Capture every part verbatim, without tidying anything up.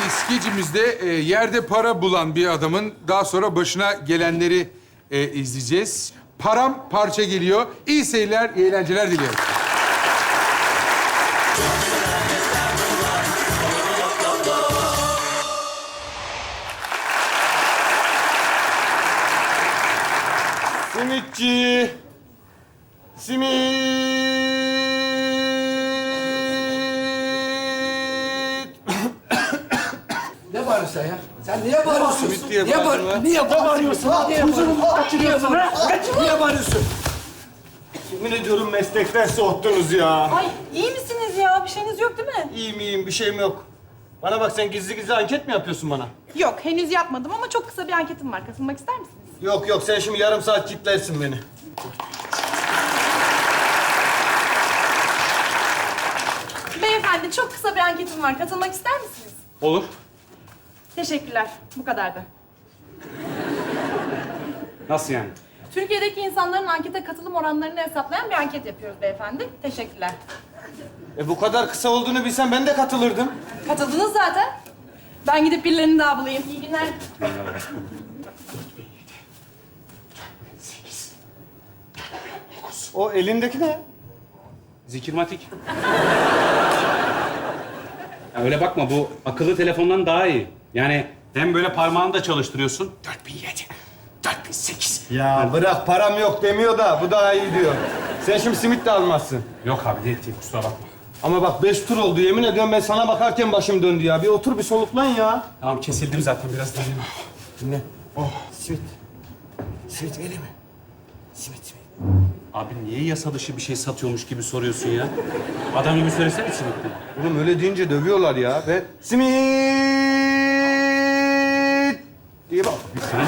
skecimizde e, yerde para bulan bir adamın daha sonra başına gelenleri e, izleyeceğiz. Param parça geliyor. İyi seyirler, iyi eğlenceler diliyorum. Simitçi. Simit. Ne bağırıyorsun sen ya? Sen niye bağırıyorsun? Simit diye niye bağırdın lan. Niye bağırıyorsun? Niye bağırıyorsun? Kaçırıyorsun ha? Niye bağırıyorsun? Yemin ediyorum meslekten soğuttunuz ya. Ay iyi misiniz ya? Bir şeyiniz yok değil mi? İyiyim iyiyim bir şeyim yok. Bana bak sen gizli gizli anket mi yapıyorsun bana? Yok henüz yapmadım ama çok kısa bir anketim var. Katılmak ister misiniz? Yok yok sen şimdi yarım saat kitlersin beni. Beyefendi çok kısa bir anketim var. Katılmak ister misiniz? Olur. Teşekkürler. Bu kadardı. Nasıl yani? Türkiye'deki insanların ankete katılım oranlarını hesaplayan bir anket yapıyoruz beyefendi. Teşekkürler. E bu kadar kısa olduğunu bilsem ben de katılırdım. Katıldınız zaten. Ben gidip birilerini daha bulayım. İyi günler. O elindeki ne? Zikirmatik. Ya öyle bakma, bu akıllı telefondan daha iyi. Yani hem böyle parmağını da çalıştırıyorsun. Dört bin yedi, dört bin sekiz. Ya bırak param yok demiyor da bu daha iyi diyor. Sen şimdi simit de almazsın. Yok abi, değil, değil, kusura bakma. Ama bak beş tur oldu yemin ediyorum ben sana bakarken başım döndü ya. Bir otur bir soluklan ya. Tamam, kesildim zaten, biraz dayanayım. Dinle. Oh, simit. Simit vereyim mi? Simit, simit. Abi niye yasa dışı bir şey satıyormuş gibi soruyorsun ya? Adam gibi söylesene simitli. Oğlum öyle deyince dövüyorlar ya. Ve simit diye bak.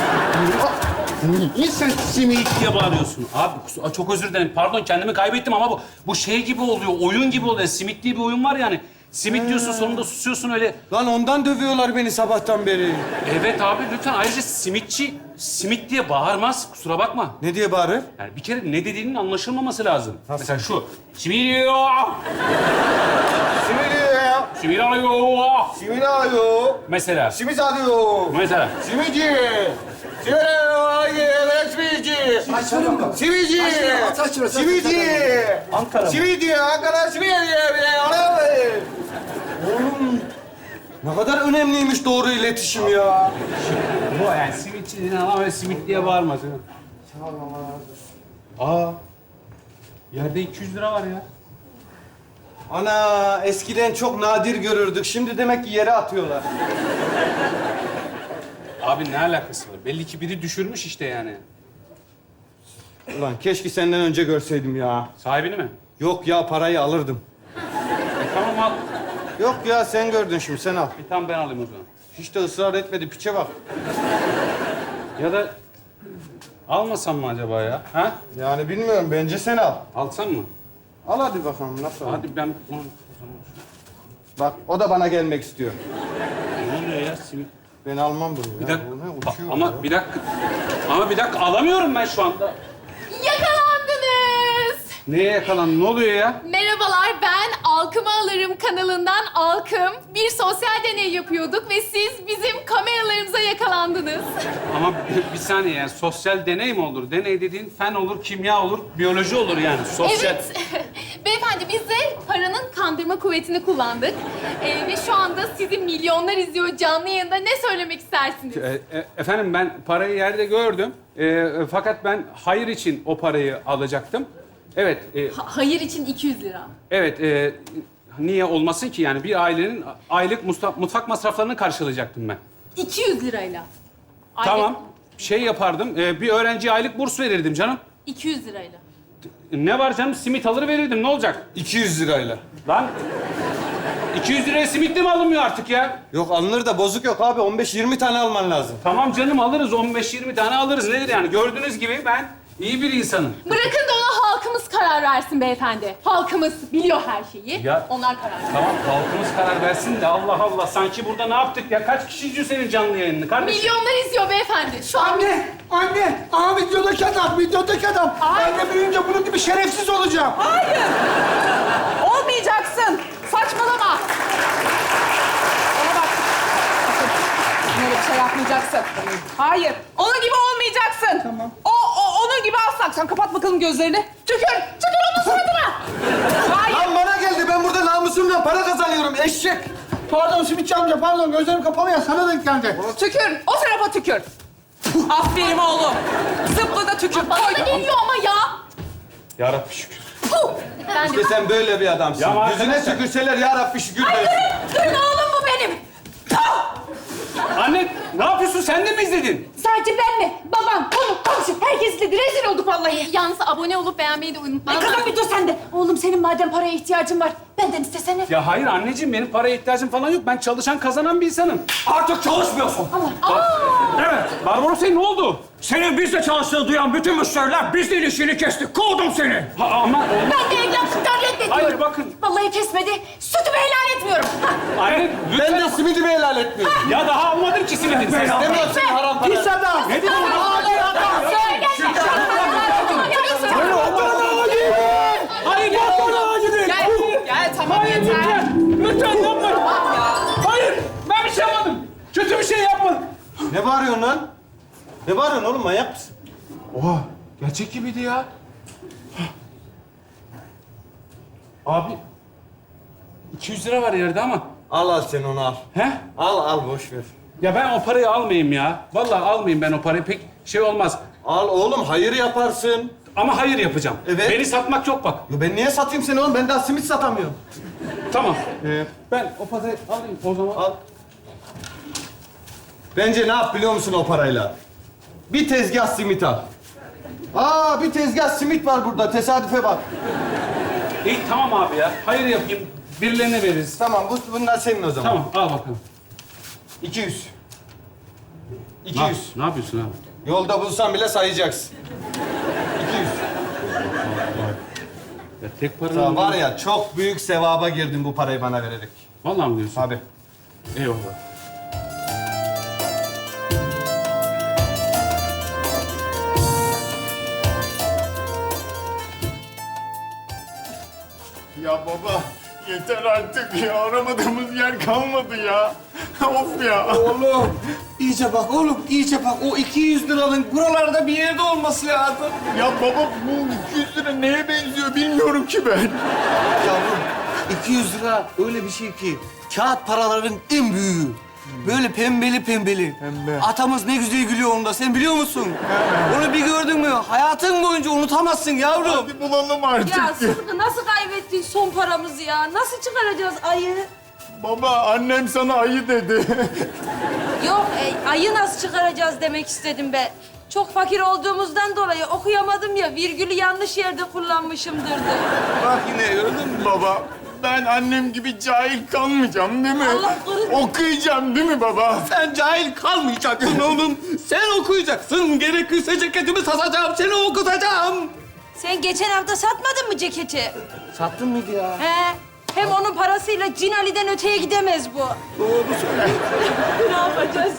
Niye sen simit diye bağırıyorsun? Abi kus- çok özür dilerim, pardon kendimi kaybettim ama bu bu şey gibi oluyor, oyun gibi oluyor. Simit diye bir oyun var yani. Simit diyorsun, sonunda susuyorsun öyle. Lan ondan dövüyorlar beni sabahtan beri. Evet abi lütfen, ayrıca simitçi simit diye bağırmaz, kusura bakma. Ne diye bağırır? Yani bir kere ne dediğinin anlaşılmaması lazım. Mesela şu. Simit diyor. Simit ya. Simit alıyor. Simit alıyor. Mesela. Simit alıyor. Mesela. Simitçi. Simit alıyor. Simitçi. Saçmalama mı? Simitçi. Saçmalama, saçmalama, Simitçi. Ankara mı? Simitçi. Ankara simit diyor. Oğlum ne kadar önemliymiş doğru iletişim ya. Bu yani simitçi dediğin ama öyle simit diye bağırmaz. Aa. Yerde iki yüz lira var ya. Ana eskiden çok nadir görürdük. Şimdi demek ki yere atıyorlar. Abi ne alakası var? Belli ki biri düşürmüş işte yani. Ulan keşke senden önce görseydim ya. Sahibini mi? Yok ya parayı alırdım. E, tamam al. Yok ya sen gördün şimdi sen al. Bir tane ben alayım o zaman. Hiç de ısrar etmedi piçe bak. Ya da almasam mı acaba ya? Ha? Yani bilmiyorum bence sen al. Alsam mı? Al hadi bakalım nasıl al? Hadi ben... Bak o da bana gelmek istiyor. Ne oluyor ya simit? Ben almam bunu ya. Bir dakika. Bu ne? Bak, Uçuyor ama ya. bir dakika. Ama bir dakika alamıyorum ben şu anda. Yakalandınız. Neye yakalandın? Ne oluyor ya? Merhabalar, ben Alkım'ı Alırım kanalından Alkım. Bir sosyal deney yapıyorduk ve siz bizim kameralarımıza yakalandınız. Ama bir, bir saniye yani sosyal deney mi olur? Deney dediğin fen olur, kimya olur, biyoloji olur yani. Sosyal... Evet. Beyefendi biz de paranın kandırma kuvvetini kullandık. Ee, ve şu anda sizi milyonlar izliyor canlı yayında. Ne söylemek istersiniz? E, e, efendim ben parayı yerde gördüm. E, e, fakat ben hayır için o parayı alacaktım. Evet, e, Ha- hayır için iki yüz lira. evet. E, niye olmasın ki yani bir ailenin aylık musta- mutfak masraflarını karşılayacaktım ben. iki yüz lirayla. Aylık Tamam. Şey yapardım. e, bir öğrenciye aylık burs verirdim canım. iki yüz lirayla. Ne var canım? Simit alır verirdim. Ne olacak? iki yüz lirayla. Lan iki yüz liraya simit de mi alınmıyor artık ya? Yok alınır da bozuk yok abi. on beş yirmi tane alman lazım. Tamam canım alırız. on beş yirmi tane alırız. Nedir yani? Gördüğünüz gibi ben iyi bir insanım. Bırakın da ona halkımız karar versin beyefendi. Halkımız biliyor her şeyi. Ya- Onlar karar versin. Tamam halkımız karar versin de Allah Allah. Sanki burada ne yaptık ya? Kaç kişi izliyor senin canlı yayınını kardeşim? Milyonlar izliyor beyefendi. Şu an Anne, anne. Aa videodaki adam, videodaki adam. Ben de büyüyünce bunun gibi şerefsiz olacağım. Hayır. Olmayacaksın. Saçmalama. Bana bak. yapmayacaksın. Hayır. Onun gibi olmayacaksın. Tamam. O, o onun gibi asla. Sen kapat bakalım gözlerini. Tükür. Tükür onun suratına. Hayır. Lan bana geldi. Ben burada namusumla para kazanıyorum. Eşek. Pardon Simitçi amca pardon gözlerim kapalı ya sana denk geldi. Tükür. O tarafa tükür. Aferin oğlum. Zıpla da tükür. Bana Koy. da geliyor ama ya. Ya Rabbi şükür. Puh. Ben de... İşte sen böyle bir adamsın. Ya Yüzüne arkadaşlar- tükürseler ya Rabbi şükür Ay dersin. durun, durun oğlum bu benim. Anne ne yapıyorsun? Sen de mi izledin? Sadece ben mi? Babam, konu, komşu, herkes izledi. Rezil olduk vallahi. Yalnız abone olup beğenmeyi de unutma. Ay kızım bir dur sen de. Oğlum senin madem paraya ihtiyacın var, benden istesene. Ya hayır anneciğim benim paraya ihtiyacım falan yok. Ben çalışan kazanan bir insanım. Artık çalışmıyorsun. Evet. Barbaros Bey ne oldu? Senin bizle çalıştığını duyan bütün müşteriler bizle ilişkini kesti. Kovdum seni. Ha, ama Ben de evlatlıktan reddediyorum. Hayır, bakın. Vallahi kesmedi. Sütümü helal etmiyorum. Hah. anne lütfen. Ben de simidimi helal etmiyorum. Ya daha almadım ki simidin. Sen İstemiyorum seni haram para. Pis adam. Ne diyorsun? Hayır yapma. Gel. Gel tamam Hayır yeter. lütfen. Lütfen yapma. Tamam ya. Hayır ben bir şey yapmadım. Kötü bir şey yapmadım. Ne bağırıyorsun lan? Ne bağırıyorsun oğlum? Manyak mısın? Oha, gerçek gibiydi ya. Abi iki yüz lira var yerde ama. Al al sen onu al. He? Al al boş ver. Ya ben o parayı almayayım ya. Vallahi almayayım ben o parayı. Pek şey olmaz. Al oğlum hayır yaparsın. Ama hayır yapacağım. Evet. Beni satmak yok bak. Ya ben niye satayım seni oğlum? Ben daha simit satamıyorum. Tamam. Ee, ben o parayı alayım o zaman. Al. Bence ne yap biliyor musun o parayla? Bir tezgah simit al. Aa bir tezgah simit var burada. Tesadüfe bak. İyi tamam abi ya. Hayır yapayım. Birilerine veririz. Tamam bu, bunlar senin o zaman. Tamam al bakalım. iki yüz. iki Ne, yüz. ne yapıyorsun abi? Yolda bulsan bile sayacaksın. iki yüz. Ya tek para Ya var ya çok büyük sevaba girdin bu parayı bana vererek. Vallahi mi diyorsun? Abi. Eyvallah. Ya baba yeter artık ya. Aramadığımız yer kalmadı ya. Of ya. Oğlum iyice bak oğlum iyice bak. O iki yüz liranın buralarda bir yerde olması lazım. Ya baba bu iki yüz lira neye benziyor bilmiyorum ki ben. Yavrum iki yüz lira öyle bir şey ki kağıt paraların en büyüğü. Böyle pembeli pembeli. Pembe. Atamız ne güzel gülüyor onda. Sen biliyor musun? Onu bir gördün mü hayatın boyunca unutamazsın yavrum. Hadi bulalım artık. Ya Sıtkı nasıl kaybettin son paramızı ya? Nasıl çıkaracağız ayı? Baba annem sana ayı dedi. Yok e, ayı nasıl çıkaracağız demek istedim ben. Çok fakir olduğumuzdan dolayı okuyamadım ya. Virgülü yanlış yerde kullanmışımdır da. Bak yine gördün mü baba? Ben annem gibi cahil kalmayacağım değil mi? Allah korusun. Okuyacağım değil mi baba? Sen cahil kalmayacaksın oğlum. Sen okuyacaksın. Gerekirse ceketimi satacağım. Seni okutacağım. Sen geçen hafta satmadın mı ceketi? Sattın mıydı ya? He. Hem onun parasıyla Cin Ali'den öteye gidemez bu. Doğru söylüyorsun. Ne yapacağız?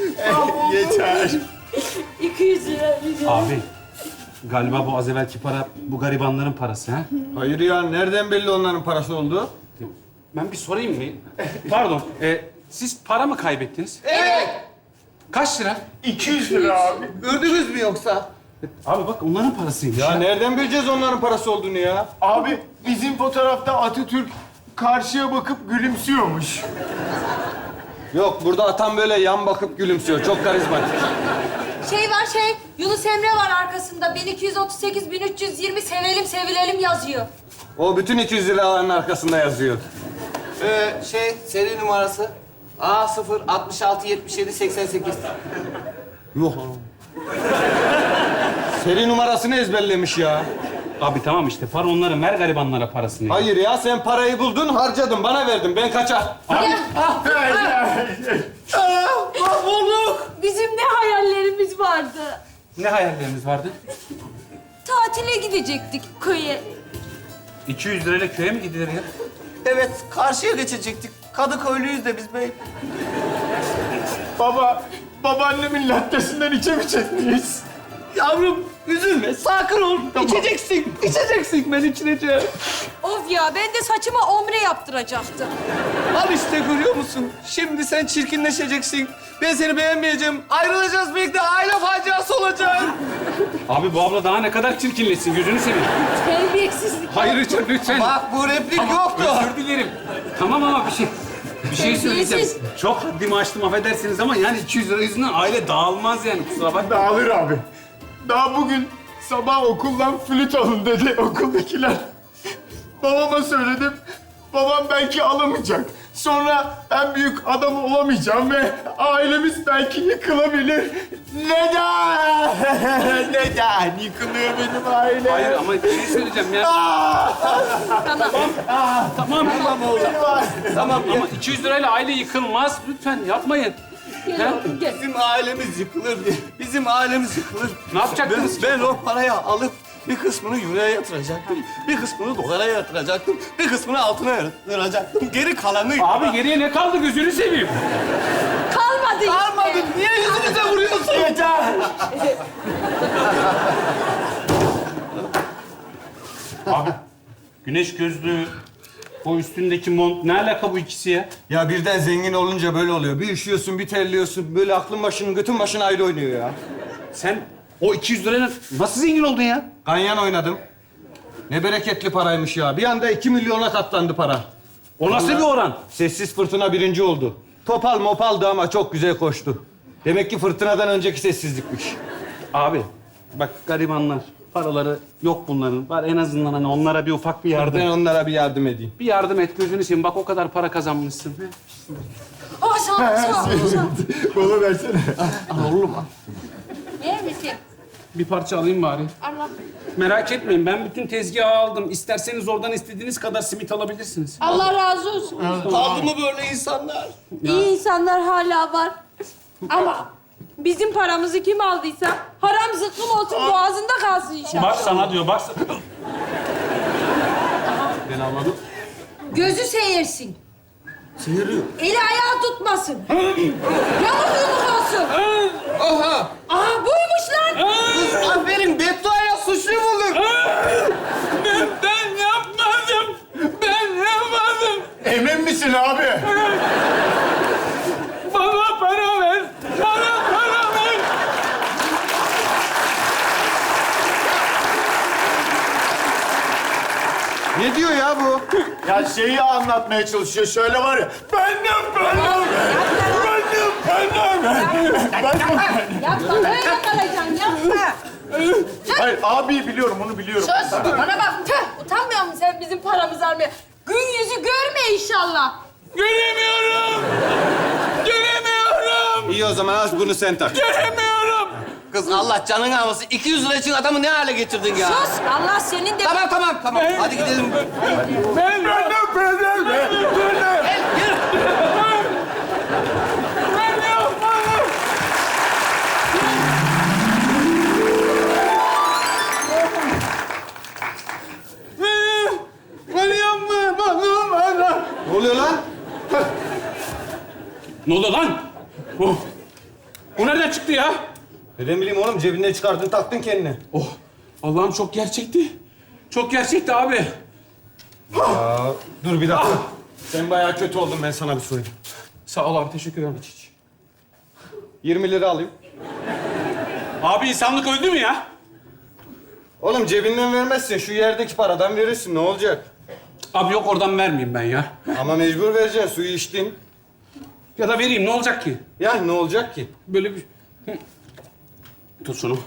Yeter. iki yüz lira. Abi galiba bu az evvelki para bu garibanların parası ha? Hayır ya nereden belli onların parası oldu? Ben bir sorayım mı? Pardon. e, siz para mı kaybettiniz? Evet. Kaç lira? iki yüz lira abi. Gördünüz mü yoksa? Abi bak onların parasıymış. Ya nereden bileceğiz onların parası olduğunu ya? Abi bizim fotoğrafta Atatürk karşıya bakıp gülümsüyormuş. Yok burada atam böyle yan bakıp gülümsüyor. Çok karizmatik. Şey var şey, Yunus Emre var arkasında. bin iki yüz otuz sekiz, bin üç yüz yirmi sevelim sevilelim yazıyor. O bütün iki yüz liraların arkasında yazıyor. Ee, şey, seri numarası A sıfır altmış altı yetmiş yedi seksen sekiz. Yok. Seri numarasını ezberlemiş ya. Abi tamam işte para onların. Ver garibanlara parasını. Hayır ya sen parayı buldun harcadın bana verdin ben kaçar. Abi, Mahvolduk. Bizim ne hayallerimiz vardı. ne hayalleriniz vardı? Tatile gidecektik köye. iki yüz lirayla köye mi gidilir ya? Evet, karşıya geçecektik. Kadıköylüyüz de biz bey. Baba, babaannemin lattesinden içemeyecek miyiz? Yavrum, Üzülme, sakin ol. İçeceksin, içeceksin. Ben içireceğim. Of ya ben de saçıma omre yaptıracaktım. Al işte görüyor musun? Şimdi sen çirkinleşeceksin. Ben seni beğenmeyeceğim. Ayrılacağız birlikte. Aile faciası olacak. Abi bu abla daha ne kadar çirkinleşsin gözünü seveyim. Terbiyesizlik. Hayır lütfen lütfen. Bak bu replik yoktu. Özür dilerim. Tamam ama bir şey bir şey söyleyeceğim. Terbiyesiz. Çok haddimi aştım affedersiniz ama yani iki yüz lira yüzünden aile dağılmaz yani kusura bakma. Dağılır abi. Daha bugün sabah okuldan flüt alın dedi okuldakiler. Babama söyledim. Babam belki alamayacak. Sonra en büyük adam olamayacağım ve ailemiz belki yıkılabilir. Neden? Neden yıkılıyor benim ailem? Hayır ama bir şey söyleyeceğim ya. Tamam. Tamam. Tamam oğlum. Tamam ama iki yüz lirayla aile yıkılmaz. Lütfen yapmayın. Gel oğlum gel. Bizim ailemiz yıkılır. Bizim ailemiz yıkılır. Ne yapacaktınız? Ben, ben o parayı alıp bir kısmını euroya yatıracaktım. Bir kısmını dolara yatıracaktım. Bir kısmını altına yatıracaktım. Geri kalanı... Abi geriye ne kaldı gözünü seveyim. Kalmadı işte. Almadın. Niye yüzümüze vuruyorsun? Yeter. Abi güneş gözlüğü, o üstündeki mont ne alaka bu ikisi ya? Ya birden zengin olunca böyle oluyor. Bir üşüyorsun, bir terliyorsun. Böyle aklın başının, götün başın ayrı oynuyor ya. Sen o iki yüz lirayla nasıl zengin oldun ya? Ganyan oynadım. Ne bereketli paraymış ya. Bir anda iki milyona katlandı para. O nasıl bir oran? Sessiz fırtına birinci oldu. Topal mopaldı ama çok güzel koştu. Demek ki fırtınadan önceki sessizlikmiş. Abi bak garibanlar, paraları yok bunların. Var en azından hani onlara bir ufak bir yardım. Ben onlara bir yardım edeyim. Bir yardım et gözünü seveyim. Bak o kadar para kazanmışsın. Oh sağ ol, sağ ol, sağ ol. Bana versene. Yer misin? Bir parça alayım bari. Allah. Merak etmeyin ben bütün tezgahı aldım. İsterseniz oradan istediğiniz kadar simit alabilirsiniz. Allah razı olsun. Kaldı mı böyle insanlar? İyi insanlar hala var. Ama bizim paramızı kim aldıysa haram zıkkım olsun boğazında kalsın inşallah. Bak sana diyor bak. Ben almadım. Gözü seyirsin. Seyiriyor. Eli ayağı tutmasın. Yamuk yumuk olsun. Oha! Aha buymuş lan. Kız aferin, bedduaya suçlu bulduk. Ben, ben yapmadım. Ben yapmadım. Emin misin abi? Bana para ver. Bana para ver. Ne diyor ya bu? Ya şeyi anlatmaya çalışıyor. Şöyle var ya. Benim, benim. Benim, benim. Benim. Yapma böyle kalacaksın yapma. Hayır, abi biliyorum, onu biliyorum. Sus bana bak. Tüh, utanmıyor musun sen bizim paramızı almaya? Gün yüzü görme inşallah. Göremiyorum. Göremiyorum. İyi o zaman aç bunu sen tak. Göremiyorum. Kız Allah canını almasın. iki yüz lira için adamı ne hale getirdin ya? Sus Allah senin de... Tamam tamam tamam. Hadi gidelim. Ben, Benim, benim. Benim. Gel yürü. ben yapmadım. Ben yapmadım. Bana. Ne oluyor lan? Ne oldu lan? Oh. O nereden çıktı ya? Neden bileyim oğlum cebinden çıkardın taktın kendine. Oh. Allah'ım çok gerçekti. Çok gerçekti abi. Aa, dur bir dakika. Sen bayağı kötü oldun ben sana bir söyleyeyim. Sağ ol abi teşekkür ederim. yirmi lira alayım. Abi insanlık öldü mü ya? Oğlum cebinden vermezsin. Şu yerdeki paradan verirsin. Ne olacak? Abi yok oradan vermeyeyim ben ya. Ama mecbur vereceksin. Suyu içtin. Ya da vereyim ne olacak ki? Ya ne olacak ki? Böyle bir... Hı. Tut şunu.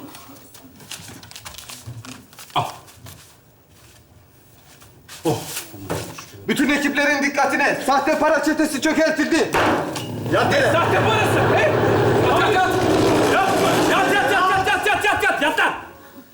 Al. Oh. Bütün ekiplerin dikkatine. Sahte para çetesi çökertildi. Ya dene. Sahte parası. Hey! Yat yat. Yatma. Yat yat yat yat yat yat yat yat lan.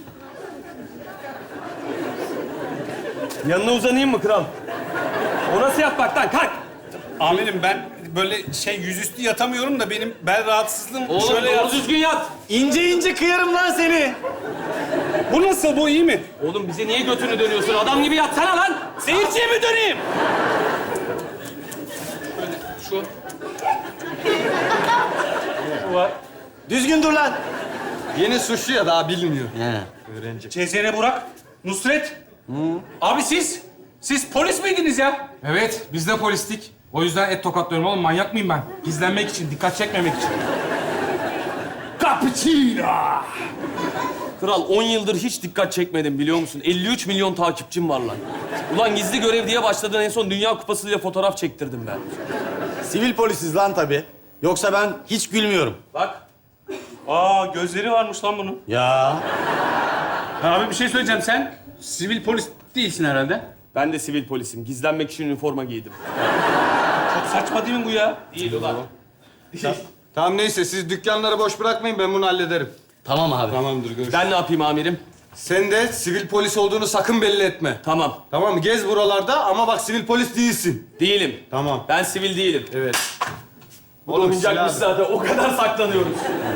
Yanına uzanayım mı kral? O nasıl yatmak lan? Kalk. Amirim ben böyle şey yüzüstü yatamıyorum da benim bel rahatsızlığım Oğlum şöyle doğru yat. düzgün yat. İnce ince kıyarım lan seni. Bu nasıl? Bu iyi mi? Oğlum bize niye götünü dönüyorsun? Adam gibi yatsana lan. Seyirciye mi döneyim? Şu. Şu var. Düzgün dur lan. Yeni suçlu ya daha bilmiyor. Cezene Burak, Nusret. Abi siz, siz polis miydiniz ya? Evet, biz de polistik. O yüzden et tokatlıyorum oğlum. Manyak mıyım ben? Gizlenmek için, dikkat çekmemek için. Cappuccino! Kral on yıldır hiç dikkat çekmedim biliyor musun? elli üç milyon takipçim var lan. Ulan gizli görev diye başladın en son Dünya Kupası'yla fotoğraf çektirdim ben. Sivil polisiz lan tabii. Yoksa ben hiç gülmüyorum. Bak. Aa gözleri varmış lan bunun. Ya. Abi bir şey söyleyeceğim. Sen sivil polis değilsin herhalde. Ben de sivil polisim. Gizlenmek için üniforma giydim. Çok saçma değil mi bu ya? Değil ulan. Tamam neyse siz dükkanları boş bırakmayın ben bunu hallederim. Tamam abi. Tamamdır görüşürüz. Ben ne yapayım amirim? Sen de sivil polis olduğunu sakın belli etme. Tamam. Tamam mı? Gez buralarda ama bak sivil polis değilsin. Değilim. Tamam. Ben sivil değilim. Evet. Oğlum oyuncakmış zaten. O kadar saklanıyoruz.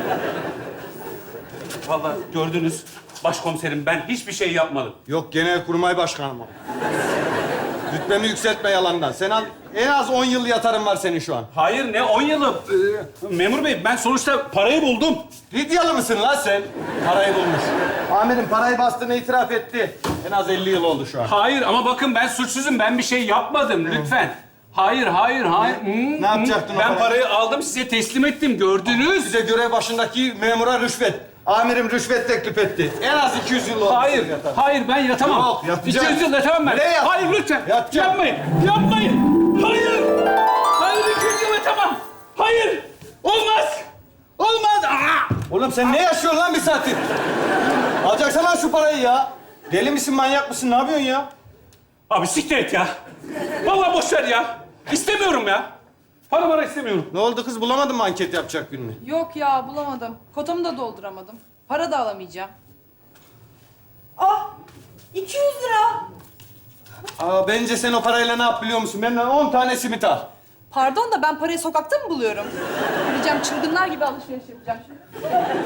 Vallahi gördünüz. Başkomiserim ben hiçbir şey yapmadım. Yok Genelkurmay Başkanım o. Rütbemi yükseltme yalandan. Sen al, en az on yıl yatarın var senin şu an. Hayır ne on yılı? Ee, memur bey ben sonuçta parayı buldum. Lidyalı mısın lan sen? Parayı bulmuş. Amirim parayı bastığını itiraf etti. En az elli yıl oldu şu an. Hayır ama bakın ben suçsuzum. Ben bir şey yapmadım lütfen. Hayır, hayır, hayır. Hmm, Ne yapacaktın hmm. o Ben parayı? parayı aldım size teslim ettim gördünüz. Size görev başındaki memura rüşvet. Amirim rüşvet teklif etti. En az iki yüz yıl oldu. Hayır, hayır ben yatamam. Yok, yatacaksın. iki yüz yıl yatamam ben. Ne yat- Hayır lütfen. Yatacaksın. Yapmayın, yapmayın. Hayır. Hayır iki yüz yıl yatamam. Hayır. Olmaz. Olmaz. Aa! Oğlum sen ne yaşıyorsun lan bir saattir? Alacaksın lan şu parayı ya. Deli misin, manyak mısın? Ne yapıyorsun ya? Abi siktir et ya. Vallahi boş ver ya. İstemiyorum ya. Para para istemiyorum. Ne oldu kız? Bulamadın mı anket yapacak birini? Yok ya bulamadım. Kotamı da dolduramadım. Para da alamayacağım. Ah! iki yüz lira. Aa, bence sen o parayla ne yap biliyor musun? Benden on tane simit al. Pardon da ben parayı sokakta mı buluyorum? Gideceğim çılgınlar gibi alışveriş yapacağım şimdi.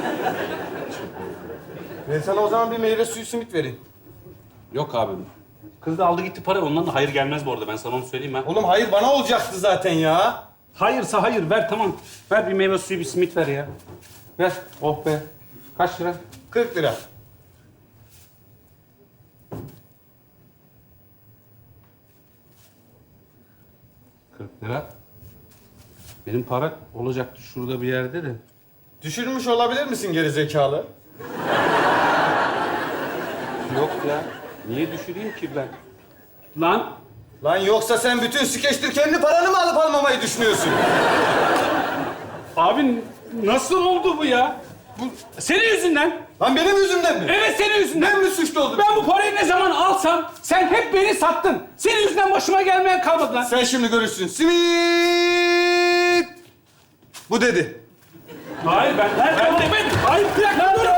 Ben sana o zaman bir meyve suyu simit vereyim. Yok abi. Kız da aldı gitti para. Ondan da hayır gelmez bu arada. Ben sana onu söyleyeyim ha. Oğlum hayır bana olacaktı zaten ya. Hayırsa hayır ver tamam. Ver bir meyve suyu bir simit ver ya. Ver. Oh be. Kaç lira? kırk lira. kırk lira. Benim para olacaktı şurada bir yerde de. Düşürmüş olabilir misin geri zekalı? Yok ya. Niye düşüreyim ki ben? Lan Lan yoksa sen bütün skeçtir kendi paranı mı alıp almamayı düşünüyorsun? abi nasıl oldu bu ya? Bu senin yüzünden. Lan benim yüzümden mi? Evet senin yüzünden. Ben mi suçlu oldum? Ben bu parayı ne zaman alsam sen hep beni sattın. Senin yüzünden başıma gelmeyen kalmadı lan. Sen şimdi görürsün. Simit! Bu dedi. Hayır ben ben, ben demedim. Hayır bir dakika dur.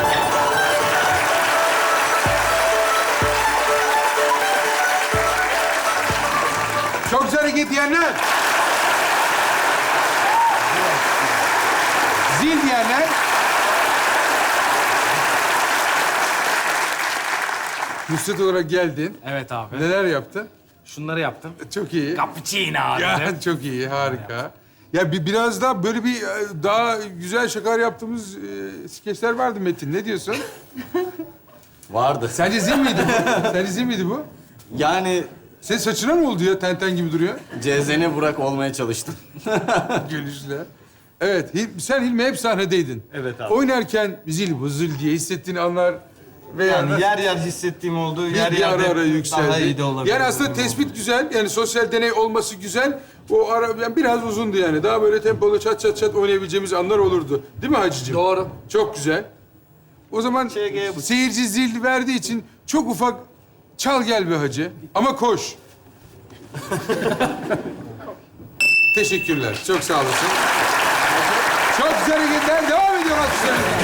Çok güzel hareket diyenler. Zil diyenler. Nusret olarak geldin. Evet abi. Neler yaptın? Şunları yaptım. Çok iyi. Cappuccino abi. Ya çok iyi, harika. Ya bir biraz daha böyle bir e, daha güzel şakalar yaptığımız e, skeçler vardı Metin. Ne diyorsun? Vardı. Sence zil miydi bu? Sence zil miydi bu? Yani Senin saçına mı oldu ya? Tenten gibi duruyor. Cezene Burak olmaya çalıştım. Gülüşle. Evet, Hil- sen Hilmi hep sahnedeydin. Evet abi. Oynarken zil bu zil diye hissettiğin anlar veya Yani yer yer hissettiğim oldu. Yer bir yer ara ara yükseldi. Daha iyi de olabilir. Yani aslında tespit güzel, yani sosyal deney olması güzel. O ara yani biraz uzundu yani. Daha böyle tempolu çat çat çat oynayabileceğimiz anlar olurdu. Değil mi Hacı'cığım? Doğru. Çok güzel. O zaman Şey, bu- seyirci zil verdiği için çok ufak çal gel be Hacı. Ama koş. Teşekkürler. Çok sağ olasın. Çok güzel hareketler devam ediyor alkışlarınızla.